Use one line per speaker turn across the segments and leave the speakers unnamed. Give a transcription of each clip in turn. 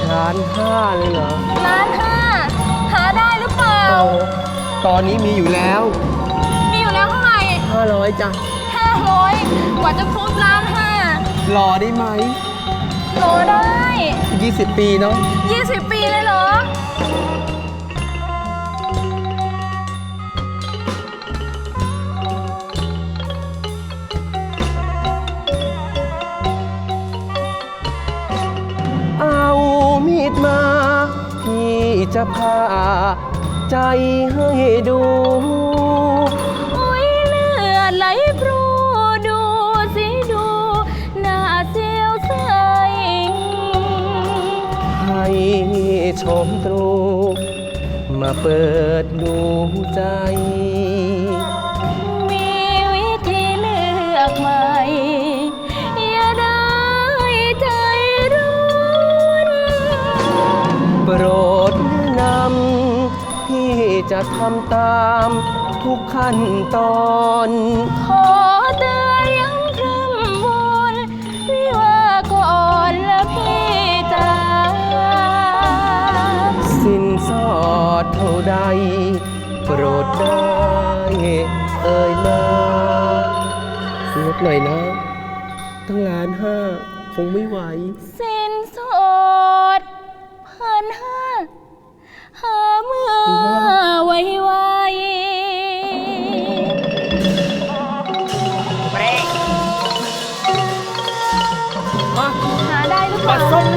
1,500,000เลยเหรอ
1,500,000หาได้หรือเปล่า
ตอนนี้มีอยู่แล้ว
มีอยู่แล้วเท่าไหร่
500จ้ะ
500กว่าจะครบ1,500,000
รอได้ไหม
รอได้
20 ปีเนาะ
20 ปีเลยเหรอ
เอามีดมาพี่จะพาใจให้ดู
อุ้ยเลือดไหลพรูดูสิดูหน้าเสียวใส
ให้ชมตรูมาเปิดดูใจ
มีวิธีเลือกใหม่อย่าได้ใจร้อน
โปรดแนะนำพี่จะทำตามทุกขั้นตอน
ขอเตือนย้ำคร่ำวอนไม่ว่าก่อนและพี่จ๋า
สินสอดเท่าใดโปรดได้เอ่ยมาลดหน่อยนะตั้ง1,500,000คงไม่ไหว
สินสอด1,500,000หาเมื่อไว
เบรก
หาได้หรือเปล่า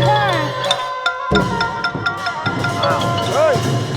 เฮ้ย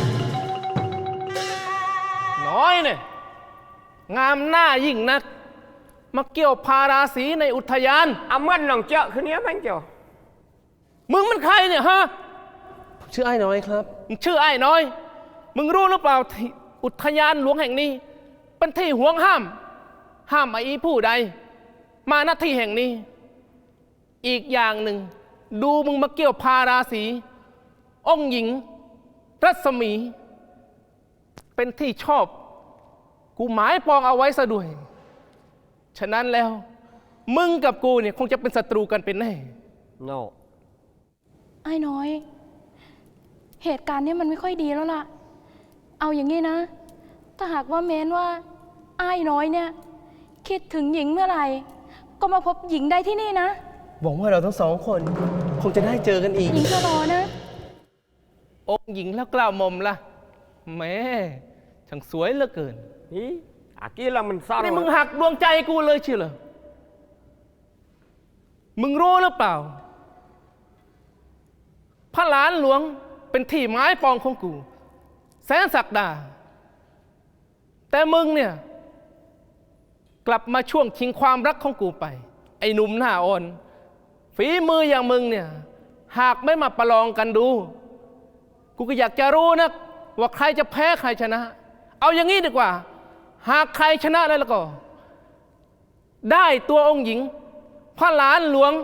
น้อยเนี่ยงามหน้ายิ่งนักมาเกี่ยวพาราศีในอุทยาน
เอาเมื่อนหนองเจาะคืนนี้มันเจ้า
มึงมันใครเนี่ยฮะ
ชื่อไอ้น้อยครับ
มึงชื่อไอ้น้อยมึงรู้หรือเปล่าอุทยานหลวงแห่งนี้เป็นที่ห่วงห้ามไอ้ผู้ใดมาหน้าที่แห่งนี้อีกอย่างหนึ่งดูมึงมาเกี่ยวพาราศีองค์หญิงรัศมีเป็นที่ชอบกูหมายปองเอาไว้ซะด้วยฉะนั้นแล้วมึงกับกูเนี่ยคงจะเป็นศัตรูกันเป็นแน่
no
ไอ้น้อยเหตุการณ์นี้มันไม่ค่อยดีแล้วล่ะเอาอย่างนี้นะถ้าหากว่าแม้นว่าไอ้น้อยเนี่ยคิดถึงหญิงเมื่อไหร่ก็มาพบหญิงได้ที่นี่นะ
หวังว่าเราทั้งสองคนคงจะได้เจอกันอีก
หญิงจะรอนะ
องค์หญิงแล้วกล้าหม่อมล่ะแม่ช่างสวยเหลือเกิน
นี่อากี้เรามันซ่อน
นี่มึงหักดวงใจกูเลยเชียวเหรอมึงรู้หรือเปล่าพระหลานหลวงเป็นที่ไม้ปองของกูแสนศักดาแต่มึงเนี่ยกลับมาช่วงชิงความรักของกูไปไอ้หนุ่มหน้าอ่อนฝีมืออย่างมึงเนี่ยหากไม่มาประลองกันดูกูก็อยากจะรู้นะว่าใครจะแพ้ใครชนะเอาอย่างนี้ดีกว่าหากใครชนะแล้วก็ได้ตัวองค์หญิงพระหลานหลวง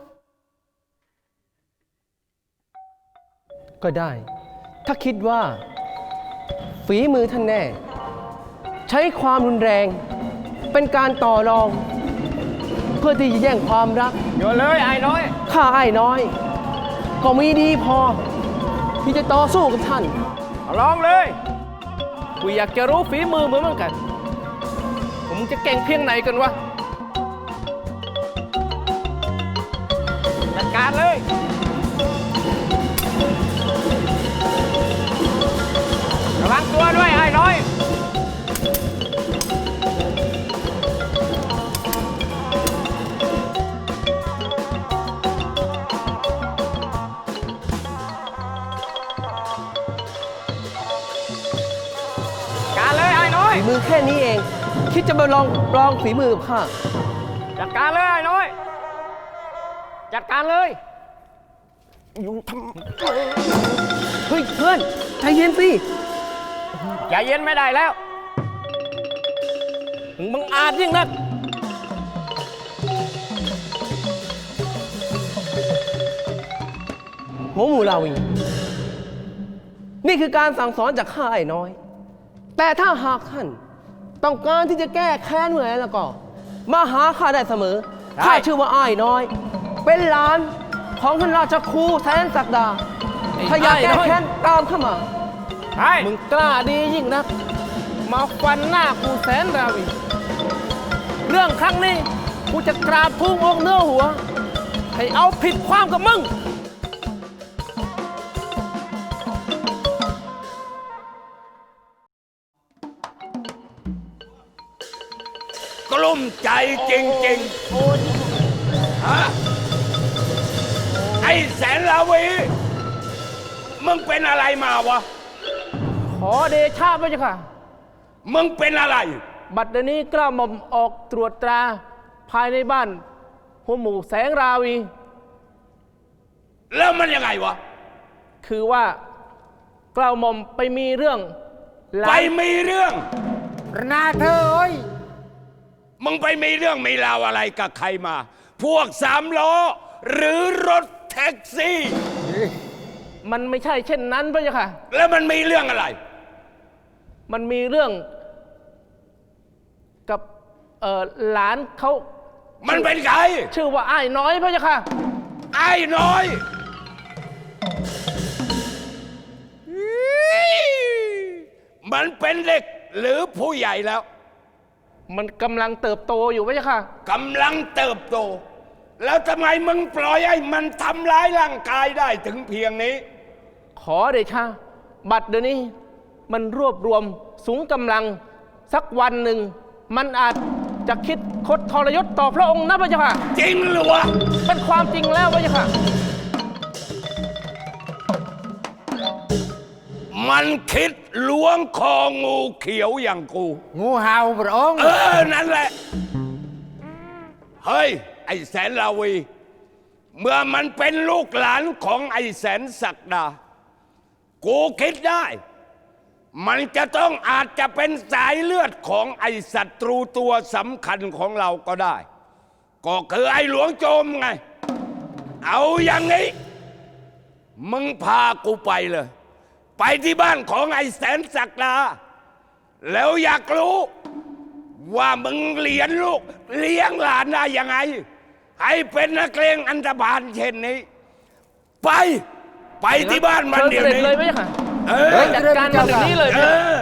ก็ได้ถ้าคิดว่าฝีมือท่านแน่ใช้ความรุนแรงเป็นการต่อรองเพื่อที่จะแย่งความรัก
โยนเลยไอ้น้อย
ข้าไอ้น้อยก็มีดีพอที่จะต่อสู้กับท่าน
ลองเลย
กูอยากจะรู้ฝีมือเหมือนกันผมจะเก่งเพียงไหนกันวะ
จัดการเลยระวังตัวด้วยไอ้น้อย
ฝีมือแค่นี้เองคิดจะมาลองฝีมือกับข้า
จัดการเลยไอ้น้อยจัดการเลยอยู่ทำ
เฮ้ยเพื่อนใจเย็นสิ
ใจเย็นไม่ได้แล้ว
มึงอาจยิ่งนัก
หัวหมูลาวีนี่คือการสั่งสอนจากข้าไอ้น้อยแต่ถ้าหากท่านต้องการที่จะแก้แค้นเมื่อไหร่แล้วก็มาหาข้าได้เสมอข้าชื่อว่าอ้ายน้อยเป็นหลานของท่านราชครูแสนศักดาถ้าอยากแก้
ไน้อย
แค้นตามเข้ามา
ใช่
มึงกล้าดียิ่งนัก มาฟันหน้ากูแสนราวี เรื่องครั้งนี้กูจะกราบทุ่งอกเนื้อหัว ให้เอาผิดความกับมึง
กลุ้มใจจริงๆฮะไอ้แสนลาวีมึงเป็นอะไรมาวะ
ขอเดชะพระเจ้าค่ะ
มึงเป็นอะไร
บัดเดี๋ยวนี้กล้าหม่อมออกตรวจตราภายในบ้านหัวหมู่แสงราวี
แล้วมันยังไงวะ
คือว่า กล้าหม่อมไปมีเรื่องหลา
ไป
น
มีเรื่อง
นาเธอเอ้ย
มึงไปมีเรื่องมีราวอะไรกับใครมา พวกสามล้อ หรือรถแท็กซี่
มันไม่ใช่เช่นนั้นพระเจ้าค่ะ
แล้วมันมีเรื่องอะไร
มันมีเรื่องกับหลานเขา
มันเป็นใคร
ชื่อว่าอ้ายน้อยพระเจ้าค่ะ
ไอ้น้อย มันเป็นเด็กหรือผู้ใหญ่แล้ว
มันกำลังเติบโตอยู่พระเจ้าค่ะ
กำลังเติบโต แล้วทำไมมึงปล่อยให้มันทำร้ายร่างกายได้ถึงเพียงนี้
ขอเดชะบัดเดี๋ยวนี้มันรวบรวมสูงกำลังสักวันหนึ่ง มันอาจจะคิดคดทรยศต่อพระองค์นะพระเจ้าค่ะ
จริงหรือวะ
เป็นความจริงแล้วพระเจ้าค่ะ
มันคิดล้วงคองูเขียวอย่างกู
งูเห่าพระองค์
นั่นแหละ เฮ้ย ไอ้แสนลาวี เมื่อมันเป็นลูกหลานของไอ้แสนศักดา กูคิดได้ มันจะต้องอาจจะเป็นสายเลือดของไอ้ศัตรูตัวสำคัญของเราก็ได้ ก็คือไอ้หลวงโจมไง เอาอย่างนี้ มึงพากูไปเลย ไปที่บ้านของไอ้แสนศักดา แล้วอยากรู้ว่ามึงเลี้ยงลูกเลี้ยงหลานได้ยังไง ให้เป็นนักเลงอันธพาลเช่นนี้ ไปที่บ้านมันเดี๋ยว
เชิญเสด็จ
นี้
เลยพระเจ้าค่ะ
เออ
จัดการมันอย่างนี้เลย
เออ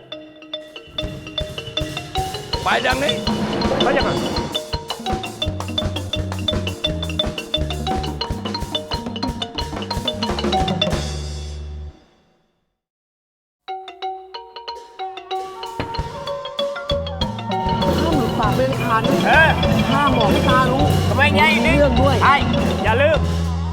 ไปดังนี้
พระเจ้าค่ะ
ปากเป็นขาด
ห้ามบอกให้ตารู้ทำไมไงนี่
เรื่องด้วย
ไอ้อย่าลืม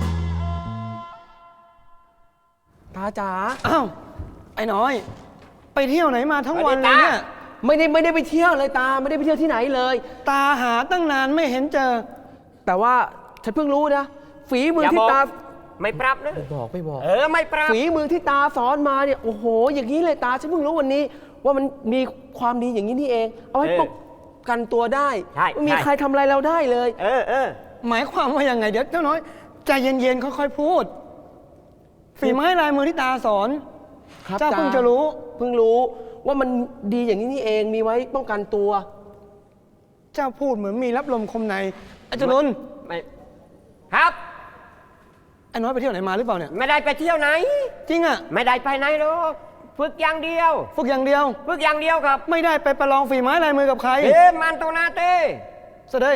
ตาจ๋า
อ้าว ไอ้น้อย ไปเที่ยวไหนมาทั้งวันเลยเนี่ย
ไม่ได้ไปเที่ยวเลยตา ไม่ได้ไปเที่ยวที่ไหนเลย
ตาหาตั้งนานไม่เห็นเจอ
แต่ว่าฉันเพิ่งรู้นะ ฝีมือที่ตา
ไม่ปรับนะ
ไม่บอก
ไม่ปรับ
ฝีมือที่ตาสอนมาเนี่ย โอ้โห อย่างนี้เลยตา ฉันเพิ่งรู้วันนี้ ว่ามันมีความดีอย่างนี้นี่เอง เอาไว้ป้องกันตัวได้
ใช่
ไม่มีใครทำอะไรเราได้เลย
หมายความว่ายังไง เดี๋ยวเจ้าน้อย ใจเย็นๆ ค่อยๆ พูด ฝีไม้ลายมือที่ตาสอน
ครับ
เจ้าเพิ่งจะรู้
เพิ่งรู้ว่ามันดีอย่างนี้นี่เอง มีไว้ป้องกันตัว
เจ้าพูดเหมือนมีรับลมคมในอาจารย์
ไม่ครับ
ไอ้น้อยไปเที่ยวไหนมาหรือเปล่าเนี่ย
ไม่ได้ไปเที่ยวไหน
จริงอะ
ไม่ได้ไปไหนหรอกฝึกอย่างเดียว
ฝึกอย่างเดียว
ฝึกอย่างเดียวครับ
ไม่ได้ไปประลองฝีไม้ลายมือกับใคร
มันตัวนาเต้
เสด็จ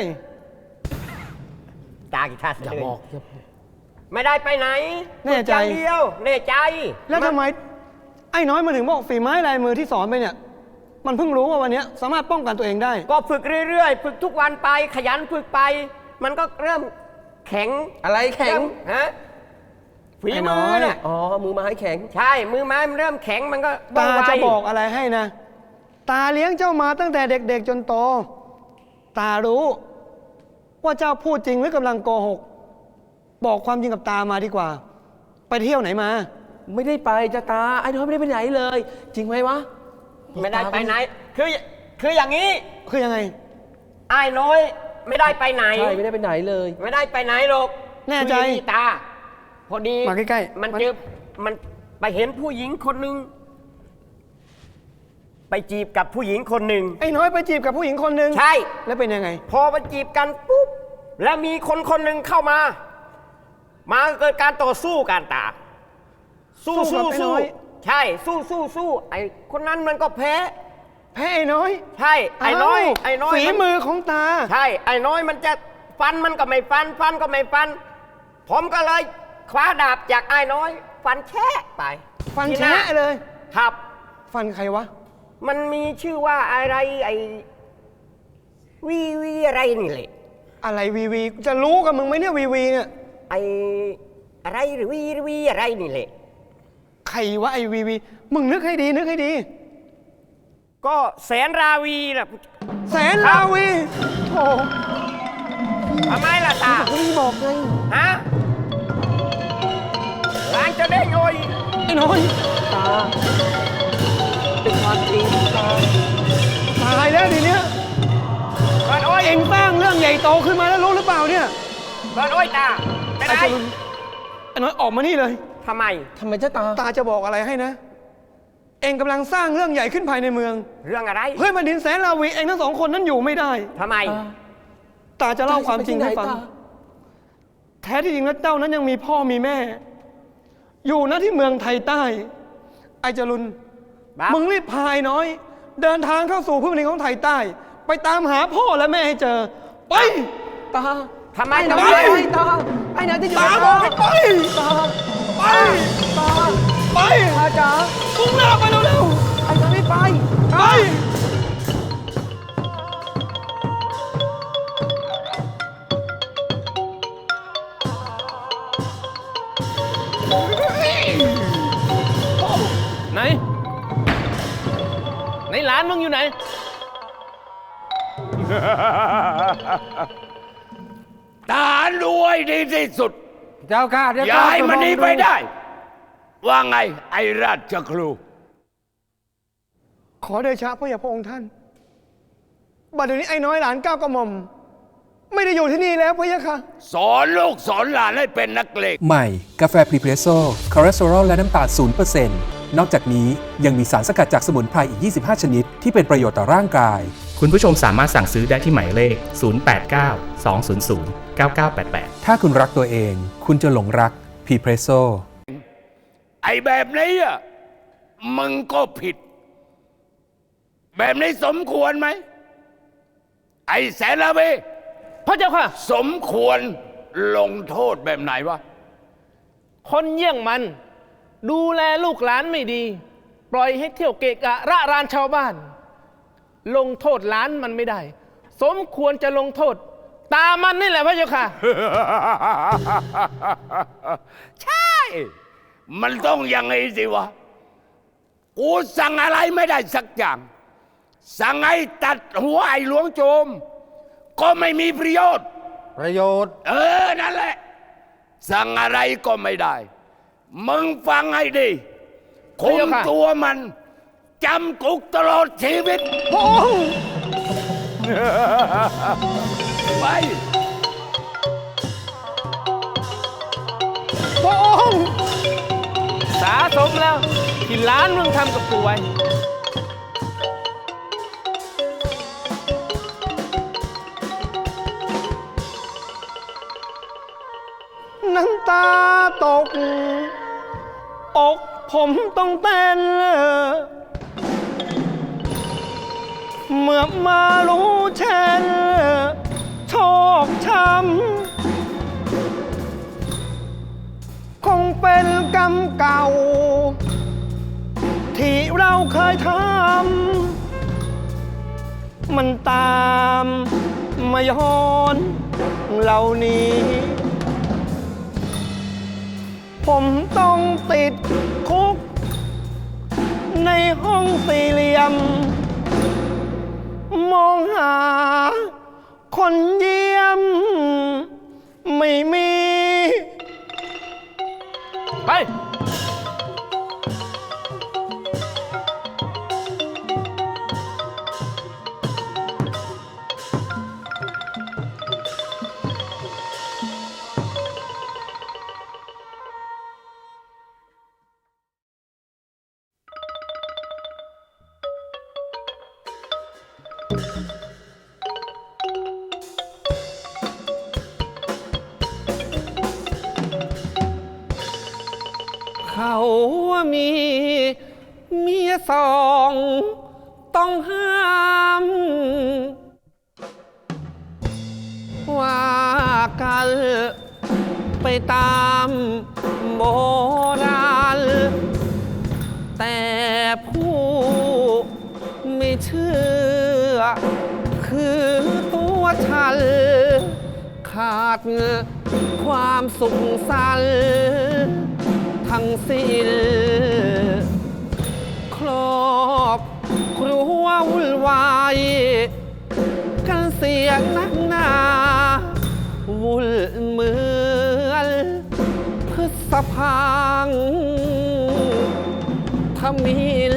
ตากีตาร์
อย่าบอกอย่า
ไม่ได้ไปไหน
แน่ใจ
ฝึกอย่างเดียวแน่ใจ
แล้วทำไม ไอ้น้อยมาถึงบอกฝีไม้ลายมือที่สอนไปเนี่ย มันเพิ่งรู้ว่าวันเนี้ยสามารถป้องกันตัวเองได้
ก็ฝึกเรื่อยๆ ฝึกทุกวันไป ขยันฝึกไป มันก็เริ่มแข็ง
อะไรแข็ง
ฮะฝี
ไอ้น้
มื
อ
อย น่ะ
อ๋อ มือไม้แข็ง
ใช่ มือไม้มันเริ่มแข็งมันก็
ตา
ว่งไว
จะบอกอะไรให้นะ ตาเลี้ยงเจ้ามาตั้งแต่เด็กๆจนโต ตารู้ ว่าเจ้าพูดจริงหรือกำลังโกหก บอกความจริงกับตามาดีกว่า ไปเที่ยวไหนมา
ไม่ได้ไปจะตา ไอ้น้อยไม่ได้ไปไหนเลย จริงไหมวะ
ไม่ได้ไปไหน คืออย่างนี้
คือยังไง
ไอ้ายน้อยไม่ได้ไปไหน
ใช่ ไม่ได้ไปไหนเลย
ไม่ได้ไปไหนหรอก
แน่ใจ
คืออย่างตา พอดี
มาใกล้ๆ
มัน
มา
เจอมันไปเห็นผู้หญิงคนหนึ่งไปจีบกับผู้หญิงคนหนึ่ง
ไอ้น้อยไปจีบกับผู้หญิงคนหนึ่ง
ใช่
แล้วเป็นยังไง
พอมาจีบกันปุ๊บแล้วมีคนคนหนึ่งเข้ามา มาเกิดการต่อสู้กันตาสู้
สู้
สู้
กับไอ้น้
สู้
อย
ใช่สู้สู้สู้ไอ้คนนั้นมันก็แพ้
แพ้ไอ้น้อย
ใช่ไอ้น้อย
าว
ไอ้น้อย
ฝี
มัน
มือของตา
ใช่ไอ้น้อยมันจะฟันมันก็ไม่ฟัน ฟันก็ไม่ฟัน ผมก็เลยคว้าดาบจากไอ้น้อย ฟันแช่ไป
ฟัน
ที่หา
แฉะเลย
ครับ
ฟันใครวะ
มันมีชื่อว่าอะไรไอ้วีอะไรนี่แหละ
อะไรวีวีจะรู้กับมึงไหมเนี่ยวีวีเนี่ย
ไอ้อะไรหรือวีอะไรนี่แหละ
ใครวะไอวีวีมึงนึกให้ดีนึกให้ดี
ก็แสนราวีนะ
แสนลาวีโอ้
ทำไมล่ะตา
ไม่บอกไง
ฮะร้านจะเด้งโอย
ไอ้น้อย
ตา เป็นความจริงตา
ตายแล้วทีเนี้ย
ร้านโอย
เอ็งสร้างเรื่องใหญ่โตขึ้นมาแล้วรู้หรือเปล่าเนี่ย
ร้านโอยตาเป็น
ไอ้
ไร
จรุนไอ้น้อยออกมานี่เลย
ทำไม
ทำไมเจ้าตา
ตาจะบอกอะไรให้นะ เอ็งกำลังสร้างเรื่องใหญ่ขึ้นภายในเมือง
เรื่องอะไร
เพื่อนแผ่นดินแสนลาวีเอ็งทั้งสองคนนั้นอยู่ไม่ได้
ทำไม
ตาจะเล่าความจริงให้ฟัง
ตา
แท้ที่จริงแล้วเจ้านั้นยังมีพ่อมีแม่ อยู่นะที่เมืองไทยใต้ ไอ้จรุน
ครับ
มึงรีบพายน้อย เดินทางเข้าสู่พื้นแผ่นดินของไทยใต้ ไปตามหาพ่อและแม่ให้เจอ ไป
ตา
ทำไม
ไอ้
ทำ
น้
ไม
อยตา ไอ้น้อยจะอยู่
ตาบอกให้ไป
ตา
ไป
ตา
ไป
ตาจ๋า
มุ่งหน้าไปเร็ว
ไอ้น้อยไม่ไป
ๆ ไป
ไหน ไหนหลานมึงอยู่ไหน
ทหารรวยดีที่สุด
เจ้าข้าเดี๋ยว
อย่าให้มันหนีไปได้ ว่าไงไอ้ราชครู
ขอเดชะพระยาพระองค์ท่าน บัดเดี๋ยวนี้ไอ้น้อยหลานก้าวกระหม่อม ไม่ได้อยู่ที่นี่แล้วพระยะค่ะ
สอนลูกสอนหลานให้เป็นนักเลง
ใหม่ กาแฟพรีเพรสโซ่คอเลสเตอรอลและน้ำตาล0%นอกจากนี้ยังมีสารสกัดจากสมุนไพรอีก 25 ชนิด ที่เป็นประโยชน์ต่อร่างกาย
คุณผู้ชมสามารถสั่งซื้อได้ที่หมายเลข 089 200 9988
ถ้าคุณรักตัวเอง คุณจะหลงรักพรีเพรสโซ่
ไอ้แบบนี้อ่ะมึงก็ผิด แบบนี้สมควรไหม ไอ้แสนละเว
พระเจ้าค่ะ
สมควรลงโทษแบบไหนวะ
คนเยี่ยงมัน ดูแลลูกหลานไม่ดี ปล่อยให้เที่ยวเกะกะระรานชาวบ้าน ลงโทษหลานมันไม่ได้ สมควรจะลงโทษ ตามันนี่แหละพระเจ้าค่ะ
ใช่ มันต้องอย่างนี้สิวะ กูสั่งอะไรไม่ได้สักอย่าง สั่งให้ตัดหัวไอ้หลวงโจม ก็ไม่มีประโยชน์
ประโยชน์
นั่นแหละ สั่งอะไรก็ไม่ได้ มึงฟังให้ดีคุ
พระ
ม
เจ้าค่ะ
ตัวมันจำคุกตลอดชีวิต
พระองค์
ไป
พระองค์
สาสมแล้วที่หลานมึงทำกับกูไว้
น้ำตาตก อกผมต้องเต้น เมื่อมารู้เช่นโชคช้ำคงเป็นกรรมเก่า ที่เราเคยทำมันตามมาย้อนเหล่านี้ ผมต้องติดคุก ในห้องสี่เหลี่ยม มองหา คนเยี่ยม ไม่มี
ไป
ข
เขามีเมียสองต้องห้ามว่ากันไปตามโบราณแต่ผู้ไม่เชื่อคือตัวฉันขาดความสุขสันต์ทั้งสิ้นครอบครัววุ่นวายกันเสียงนักหนาวุ่นเหมือนพฤษภางทมิฬ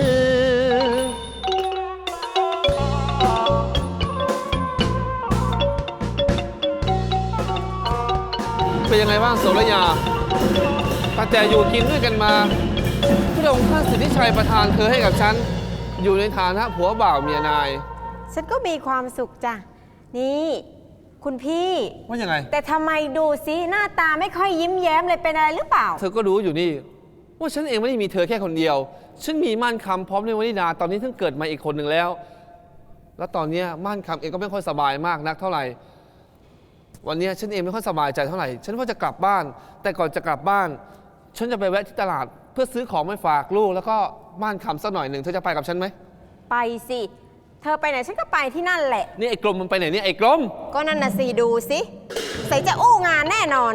เป็นยังไงบ้างโสรยาตั้งแต่อยู่กินด้วยกันมาพระองค์ท่านสิทธิชัยประทานเธอให้กับฉันอยู่ในฐานะผัวบ่าวเมียนาย
ฉันก็มีความสุขจ้ะนี่คุณพี่
ว่ายังไง
แต่ทำไมดูสิหน้าตาไม่ค่อยยิ้มแย้มเลยเป็นอะไรหรือเปล่า
เธอก็รู้อยู่นี่ว่าฉันเองไม่ได้มีเธอแค่คนเดียวฉันมีม่านคำพร้อมด้วยวนิดาตอนนี้เพิ่งเกิดมาอีกคนหนึ่งแล้วแล้วตอนนี้ม่านคำเองก็ไม่ค่อยสบายมากนักเท่าไหร่วันนี้ฉันเองไม่ค่อยสบายใจเท่าไหร่ฉันว่าจะกลับบ้านแต่ก่อนจะกลับบ้านฉันจะไปแวะที่ตลาดเพื่อซื้อของไปฝากลูกแล้วก็ม่านคำสักหน่อยหนึ่งเธอจะไปกับฉันไหม
ไปสิเธอไปไหนฉันก็ไปที่นั่นแหละ
นี่ไอ้กลมมันไปไหนเนี่ยไอ้กลม
ก็นั่นน่ะสิดูสิใส่จะอู้งานแน่นอน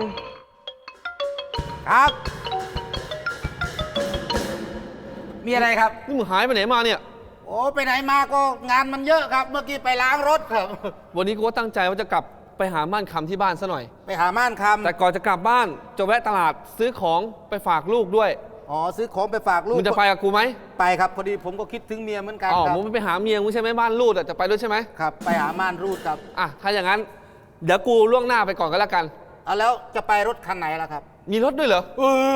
ครับมีอะไรครับ
นี่มึงหายไปไหนมาเนี่ย
โอ้ไปไหนมาก็งานมันเยอะครับเมื่อกี้ไปล้างรถครับ
วันนี้กูก็ตั้งใจว่าจะกลับไปหาม่านคำที่บ้านซะหน่อย
ไปหาม่านคำ
แต่ก่อนจะกลับบ้านจะแวะตลาดซื้อของไปฝากลูกด้วย
อ๋อซื้อของไปฝากลูก
มึงจะไปกับกูไหม
ไปครับพอดีผมก็คิดถึงเมียเหมือนกัน
อ๋อ
ครับ
มึงไปหาเมียมึงใช่ไหมบ้านรูดจะไปด้วยใช่ไหม
ครับไปหาม่านรูดครับ
ถ้าอย่างนั้นเดี๋ยวกูล่วงหน้าไปก่อนก็แล้วกัน
แล้วจะไปรถคันไหนล่ะครับ
มีรถด้วยเหรอ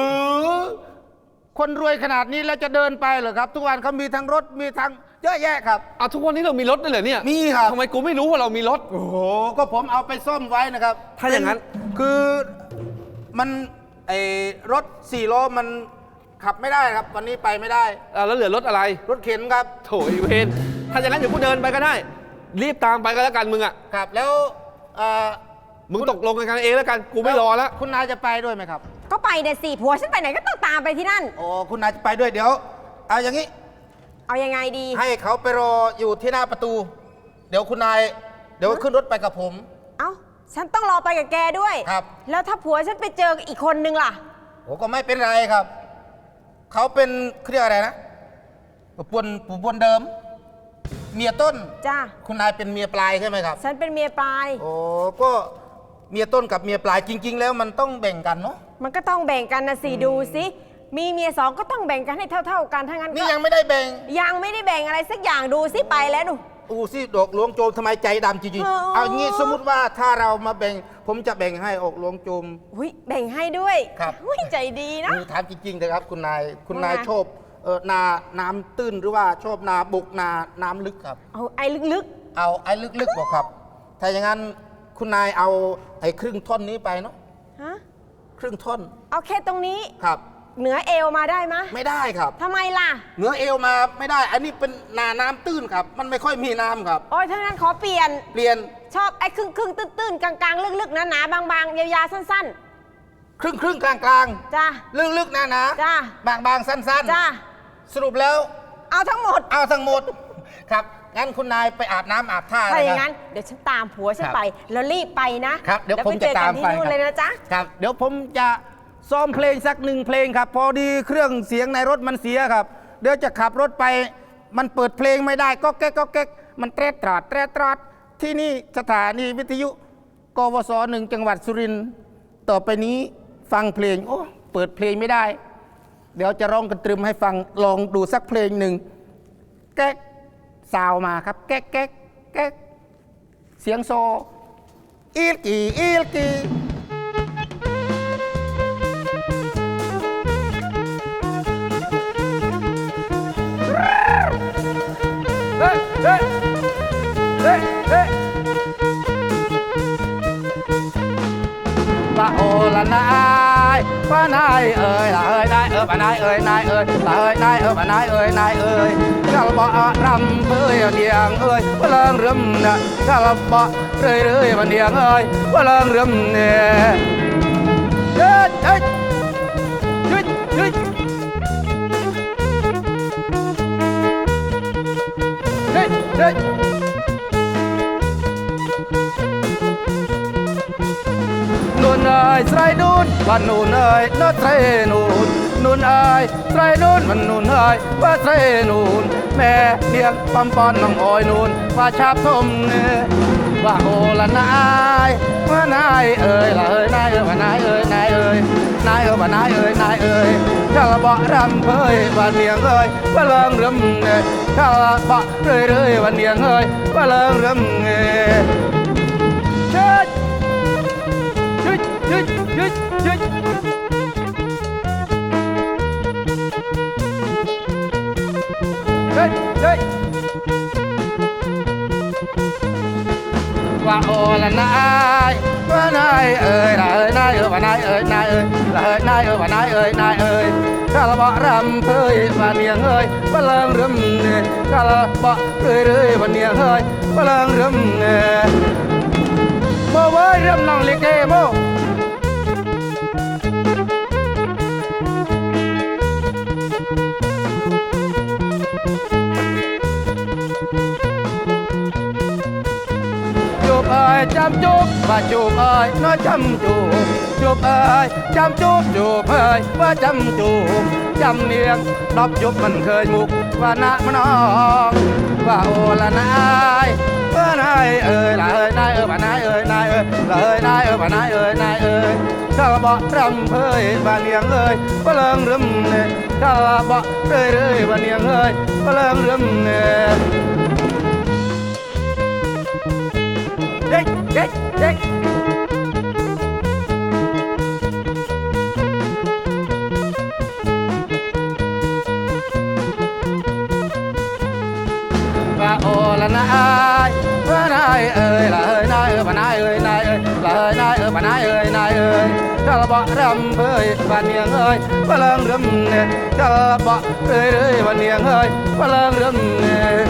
คนรวยขนาดนี้แล้วจะเดินไปเหรอครับทุกวันเขามีทั้งรถมีทั้งเยอะแยะครับ
ทุกวันนี้เรามีรถด้วยเหรอเนี่ย
มีครับ
ทำไมกูไม่รู้ว่าเรามีรถ
โอ้โหก็ผมเอาไปซ่อมไว้นะครับ
ถ้าอย่างนั้น
คือมันรถ4 ล้อมันขับไม่ได้ครับวันนี้ไปไม่ได้
แล้วเหลือรถอะไร
รถเข็นครับ
โถไอ้เวรถ้าอย่างนั้นเดี๋ยวกูเดินไปก็ได้รีบตามไปก็แล้วกันมึง
ครับแล้ว
มึงตกลงกันเองแล้วกันกูไม่รอแล้ว
คุณนายจะไปด้วยไหมครับ
ก็ไปเดี๋ยวสิผัวฉันไปไหนก็ต้องตามไปที่นั่น
โอ้คุณนายจะไปด้วยเดี๋ยวเอาอย่างนี้
เอายังไงดี
ให้เขาไปรออยู่ที่หน้าประตูเดี๋ยวคุณนายเดี๋ยวขึ้นรถไปกับผม
ฉันต้องรอไปกับแกด้วย
ครับ
แล้วถ้าผัวฉันไปเจออีกคนนึงล่ะ
โอ้ก็ไม่เป็นไรครับเขาเป็นเรียกอะไรนะปู่ปวนเดิมเมียต้น
จ้า
คุณนายเป็นเมียปลายใช่ไหมครับ
ฉันเป็นเมียปลาย
โอ้ก็เมียต้นกับเมียปลายจริงๆแล้วมันต้องแบ่งกันเนาะ
มันก็ต้องแบ่งกันนะสิดูสิมีเมียสองก็ต้องแบ่งกันให้เท่าๆกันถ้างั้น
นี่ยังไม่ได้แบ่ง
ยังไม่ได้แบ่งอะไรสักอย่างดูสิไปแล้วดู
สิดอกหลวงโจมทำไมใจดำจริงๆเอางี้สมมติว่าถ้าเรามาแบ่งผมจะแบ่งให้ออกหลวงโจม
แบ่งให้ด้วย
ครับ
ใจดีนะ
ถามจริงๆเลยครับคุณนายชอบนาน้ำตื้นหรือว่าชอบนาบุกนาน้ำลึกครับ
เอาไอ้ลึก
ๆเอาไอ้ลึกๆบอกครับถ้าอย่างนั้นคุณนายเอาไอ้ครึ่งท่อนนี้ไปเนาะครึ่งท่อน
เอาแค่ตรงนี้
ครับ
เหนือเอวมาได้ไหม
ไม่ได้ครับ
ทำไมล่ะ
เหนือเอวมาไม่ได้อันนี้เป็นนาน้ำตื้นครับมันไม่ค่อยมีน้ำครับ
โอ้ยถ้างั้นขอเปลี่ยนชอบไอ้ครึ่งตื้นกลางลึกๆหนาๆบางๆยาวๆสั้น
ๆครึ่งกลาง
จ้า
ลึกๆหนาๆ
จ้า
บางๆสั้น
ๆจ้า
สรุปแล้ว
เอาทั้งหมด
ครับงั้นคุณนายไปอาบน้ำอาบท่า
ถ้าอย่างนั้นเดี๋ยวฉันตามผัวฉันไปแล้วรีบไปนะครับ
เดี๋ยวผมจะตามไป
เลยนะจ๊ะ
ครับเดี๋ยวผมจะซ้อมเพลงสัก1 เพลงครับพอดีเครื่องเสียงในรถมันเสียครับเดี๋ยวจะขับรถไปมันเปิดเพลงไม่ได้ก็แก๊กมันแตรตราดที่นี่สถานีวิทยุกวส1จังหวัดสุรินทร์ต่อไปนี้ฟังเพลงเปิดเพลงไม่ได้เดี๋ยวจะร้องกระตรึมให้ฟังลองดูสักเพลงหนึ่งแก๊กซาวมาครับแก๊กเสียงโซอีลกีเฮ้ปะโอละนายว่านายเอ๋ยละเอ๋ยนายเอ๋ยว่านายเอ๋ยนายเอ๋ยละเอ๋ยนายเอ๋ยว่านายเอ๋ยนายเอ๋ยกะละบ่รำเอ้ยเดียงเอ้ยว่าเลิงเริ่มนะกะละบ่เรื่อยๆวันเดียงเอ้ยว่าเลิงเริ่มเนี่ยเฮ้ยเฮ้ยเฮ้ยเฮ้ยเฮ้ยเฮ้ยนูนเอ้ยไตรนูนวันนูนเอ้ยนอไตรนูนนูนเอ้ยไตรนูนวันนูนเอ้ยว่าไตรนูนแม่เลี้ยงปั๊มปอนน้องอ้อยนูนว่าชาบทมเนื้อว่าโอละนายว่านายเอ้ยละเอ้ยนายเอ้ยว่านายเอ้ยนายเอ้ยนายเอ้ยว่านายเอ้ยนายเอ้ยกะละบ่รำเอ้ยว่าเนียงเอ้ยว่าเลิงเริ่มเอ้ยกะละบ่เรื่อยๆว่าเนียงเอ้ยว่าเลิงเริ่มเอ้ยเชิดยึดยึดยึดยึดเฮ้ยเฮ้ยว่าโอละนายว่านายเอ๋ยละเอ๋ยนายเอ๋ยว่านายเอ๋ยนายเอ๋ยละเอ๋ยนายเอ๋ยว่านายเอ๋ยนายเอ๋ยกะละบ่รำเอ้ยว่าเนียงเอ้ยว่าเลิงเริ่มเอ้ยกะละบ่เรื่อยๆว่าเนียงเอ้ยว่าเลิงเริ่มเอ้ยโมเว้ยเริ่มน้องลิเกโมจูบเอ้ยจำจูบว่าจูบเอ้ยน้อยจำจูบจูบเอ้ยจำจูบจูบเอ้ยว่าจำจูบจำเนียงดอบยุบมันเคยมุกว่านะมนองว่าโอละนายว่านายเอ้ยละเอ้ยนายเอ้ยว่านายเอ้ยนายเอ้ยละเอ้ยนายเอ้ยว่านายเอ้ยนายเอ้ยกะละบ่รำเอ้ยว่าเนียงเอ้ยว่าเลิงเริ่มเอ้ยกะละบ่เรื่อยๆว่าเนียงเอ้ยว่าเลิงเริ่มเอ้ยเด็กเด็กเด็กว่าโอละนายว่านายเอ๋ยละเอ๋ยนายเอ๋ยว่านายเอ๋ยนายเอ๋ยละเอ๋ยนายเอ๋ยว่านายเอ๋ยนายเอ๋ยกะละบ่รำเอ้ยว่าเนียงเอ้ยว่าเลิงเริ่มเอ้ยกะละบ่เรื่อยๆว่าเนียงเอ้ยว่าเลิงเริ่มเอ้ย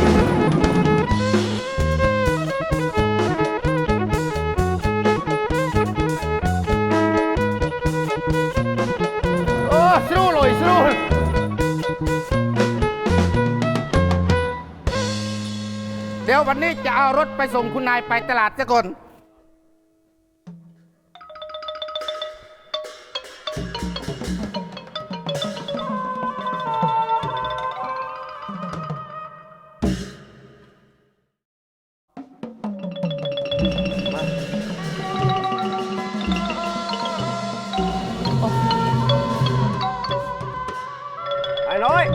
โอ้สู้เลยสู้เดี๋ยววันนี้จะเอารถไปส่งคุณนายไปตลาดซะก่อน
ไอ้น้อย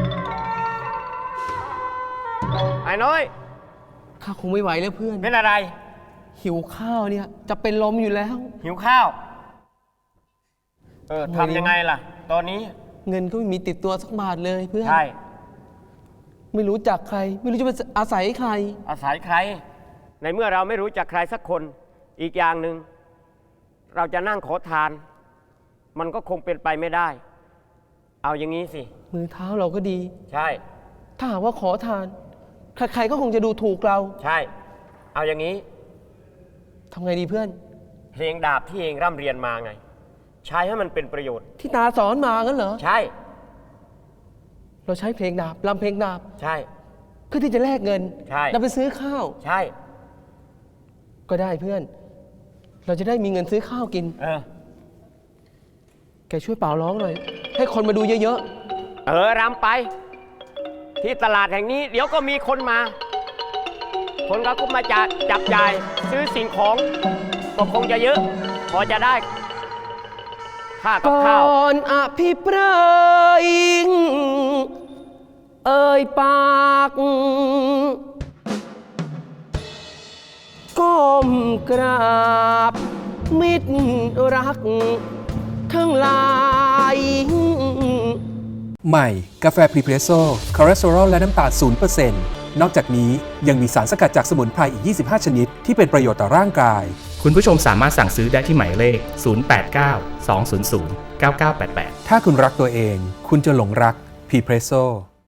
ไอ้น้อย
ข้าคงไม่ไหวแล้วเพื่อน
เป็นอะไร
หิวข้าวเนี่ยจะเป็นลมอยู่แล้ว
หิวข้าว
ทำไงดี
ทำยังไงล่ะ ตอนนี้
เงินก็ไม่มีติดตัวสักบาทเลยเพื่อน
ใช่
ไม่รู้จักใคร ไม่รู้จะไปอาศัยใคร
อาศัยใคร ในเมื่อเราไม่รู้จักใครสักคน อีกอย่างหนึ่ง เราจะนั่งขอทาน มันก็คงเป็นไปไม่ได้ เอาอย่างนี้สิ
มือเท้าเราก็ดี
ใช่
ถ้าหากว่าขอทาน ใครๆก็คงจะดูถูกเรา
ใช่ เอาอย่างนี้
ทำไงดีเพื่อน
เพลงดาบที่เองร่ำเรียนมาไง ใช้ให้มันเป็นประโยชน์
ที่ตาสอนมางั้นเหรอ
ใช่
เราใช้เพลงดาบรำเพลงดาบ
ใช่
เพื่อที่จะแลกเงิน
ใช่
เราไปซื้อข้าว
ใช่
ก็ได้เพื่อน เราจะได้มีเงินซื้อข้าวกิน แกช่วยเป่าร้องหน่อย ให้คนมาดูเยอะ
รำไป ที่ตลาดแห่งนี้เดี๋ยวก็มีคนมา คนก็มาจับจ่ายซื้อสิ่งของก็คงจะเยอะ พอจะได้ค่า
ๆ
กับ
ก่
ข้าว
อนอภิปรายเอ่ยปากก้มกราบมิตรรักทั้งหลาย
ใหม่ กาแฟพรีเพรสโซ่คอเลสเตอรอลและน้ำตาล0% นอกจากนี้ยังมีสารสกัดจากสมุนไพรอีก 25 ชนิดที่เป็นประโยชน์ต่อร่างกาย
คุณผู้ชมสามารถสั่งซื้อได้ที่หมายเลข 089 200 9988
ถ้าคุณรักตัวเอง คุณจะหลงรักพรีเพรสโซ่